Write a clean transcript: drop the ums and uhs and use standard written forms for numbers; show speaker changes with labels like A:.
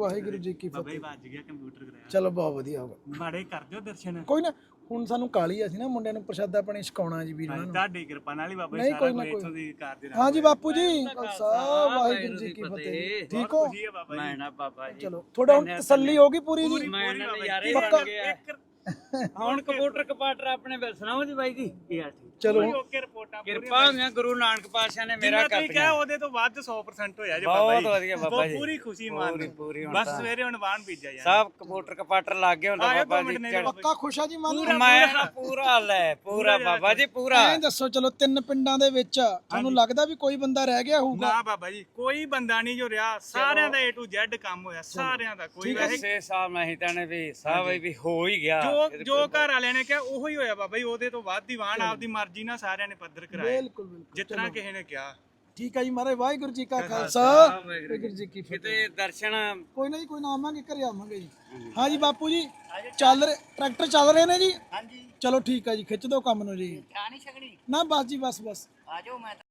A: ਵਾਹਿਗੁਰੂ ਜੀ ਕੀ
B: ਬਾਬਾ ਜੀ
A: ਫਤਿਹ।
B: ਵੱਜ ਗਿਆ ਕੰਪਿਊਟਰ ਕਰਾਇਆ
A: ਚਲੋ ਬਹੁਤ ਵਧੀਆ ਹੋ ਗਿਆ।
B: ਮਾੜੇ ਕਰ ਦਿਓ ਦਰਸ਼ਨ
A: ਕੋਈ ਨਾ ਹੁਣ ਸਾਨੂੰ ਕਾਲੀ ਆ ਸੀ ਨਾ ਮੁੰਡਿਆਂ ਨੂੰ ਪ੍ਰਸ਼ਾਦਾ ਪਾਣੀ ਛਕਾਉਣਾ ਜੀ ਵੀਰਾਂ ਨੂੰ।
B: ਤੁਹਾਡੀ ਕਿਰਪਾ ਨਾਲ ਹੀ ਬਾਬਾ ਜੀ
A: ਨਹੀਂ,
B: ਸਾਰਾ
A: ਕੋਈ ਨਾ
B: ਕੁਝ
A: ਕੋਈ।
B: ਇੱਥੋਂ ਦੀ ਕਰਦੇ ਰਹੇ
A: ਹਾਂਜੀ ਬਾਪੂ ਜੀ ਖਾਲਸਾ ਵਾਹਿਗੁਰੂ ਜੀ ਕੀ ਫਤਿਹ। ਠੀਕ ਹੋ?
B: ਖੁਸ਼ੀ ਹੈ ਬਾਬਾ ਜੀ
C: ਮੈਂ ਨਾ ਬਾਬਾ ਜੀ
A: ਚਲੋ ਥੋੜਾ ਹੁਣ ਤਸੱਲੀ ਹੋ ਗਈ ਪੂਰੀ ਜੀ।
C: ਮੈਂ ਨਾ ਨਜ਼ਾਰੇ
A: ਪੱਕਾ।
C: ਬਣ ਗਿਆ ਹੁਣ ਕੰਪਿਊਟਰ ਕਪਾਟਰ ਆਪਣੇ ਬਿਲ ਸੁਣਾਓ ਜੀ ਬਾਈ ਜੀ ਕੀ ਹਾਲ ਠੀਕ
A: ਚਲੋ
B: ਓਕੇ ਰਿਪੋਰਟਾਂ
C: ਕਿਰਪਾ ਹੋਈਆਂ ਗੁਰੂ ਨਾਨਕ ਪਾਤਸ਼ਾਹ ਨੇ ਮੇਰਾ
B: ਮੇਰਾ
C: ਕਰ
B: ਠੀਕ ਹੈ ਉਹਦੇ ਤੋਂ ਵੱਧ 100% ਹੋਇਆ ਜੀ ਬਾਬਾ
C: ਬਹੁਤ
B: ਜੀ
C: ਵਧੀਆ ਬਾਬਾ ਜੀ
B: ਪੂਰੀ ਖੁਸ਼ੀ ਮਾਨ
C: ਪੂਰੀ ਹੁਣ
B: ਬਸ
C: ਤਾਂ
B: ਸਵੇਰੇ ਹੁਣ ਵਾਹਨ ਬੀਜਿਆ ਯਾਰ
C: ਸਭ ਕੰਪਿਊਟਰ ਕਪਾਟਰ ਲੱਗ ਗਏ ਹੁੰਦਾ
B: ਆਇਆ
C: ਬਾਬਾ
B: 2
C: ਜੀ
B: ਮਿੰਟ ਨੇ
A: ਪੱਕਾ ਖੁਸ਼ ਆ ਜੀ ਮਨ
C: ਮੈਂ ਨਾ ਪੂਰਾ ਲੈ ਪੂਰਾ ਬਾਬਾ ਜੀ ਪੂਰਾ
A: ਐਂ ਦੱਸੋ ਚਲੋ 3 ਪਿੰਡਾਂ ਦੇ ਵਿੱਚ ਤੁਹਾਨੂੰ ਲੱਗਦਾ ਵੀ ਕੋਈ ਬੰਦਾ ਰਹਿ ਗਿਆ ਹੋਊਗਾ?
B: ਨਾ ਬਾਬਾ ਜੀ ਕੋਈ ਬੰਦਾ ਨਹੀਂ ਜੋ ਰਿਹਾ ਸਾਰਿਆਂ ਦਾ A to Z ਕੰਮ ਹੋਇਆ ਸਾਰਿਆਂ ਦਾ ਕੋਈ ਵੈਸੇ
C: ਸੇ ਸਾਹਿਬ ਨਹੀਂ ਤਾਣੇ ਵੀ ਸਾਹਿਬ ਵੀ ਹੋ ਹੀ ਗਿਆ
B: ਜੋ ਘਰ ਵਾਲਿਆਂ ਨੇ ਕਿਹਾ ਉਹੋ ਹੀ ਹੋਇਆ ਬਾਬਾ ਜੀ ਉਹਦੇ ਤੋਂ ਵੱਧ ਹੀ ਵਾਹਨ ਆਪਦੀ ਮਰਜ਼ੀ ਨਾਲ ਸਾਰਿਆਂ ਨੇ ਪੱਧਰ ਕਰਾਇਆ
A: ਬਿਲਕੁਲ ਬਿਲਕੁਲ
B: ਜਿਤਨਾ ਕਿਸੇ ਨੇ ਕਿਹਾ
A: ਠੀਕ ਹੈ ਜੀ ਮਹਾਰਾਜ ਵਾਹਿਗੁਰੂ ਜੀ ਕਾ ਖਾਲਸਾ ਵਾਹਿਗੁਰੂ ਜੀ ਕੀ ਫਤਿਹ।
C: ਕਿਤੇ ਦਰਸ਼ਨ
A: ਕੋਈ ਨਾ ਜੀ ਕੋਈ ਨਾ ਆਵਾਂਗੇ ਘਰੇ ਆਵਾਂਗੇ ਜੀ। ਹਾਂ ਜੀ ਬਾਪੂ ਜੀ ਟਰੈਕਟਰ ਚੱਲ ਰਹੇ ਨੇ ਜੀ?
D: ਹਾਂਜੀ
A: ਚਲੋ ਠੀਕ ਹੈ ਜੀ ਖਿੱਚ ਦਿਓ ਕੰਮ ਨੂੰ ਜੀ।
D: ਚਾਹ ਨਹੀਂ ਛਕਣੀ
A: ਨਾ ਬਸ ਜੀ ਬਸ
D: ਆ ਜਾਓ ਮੈਂ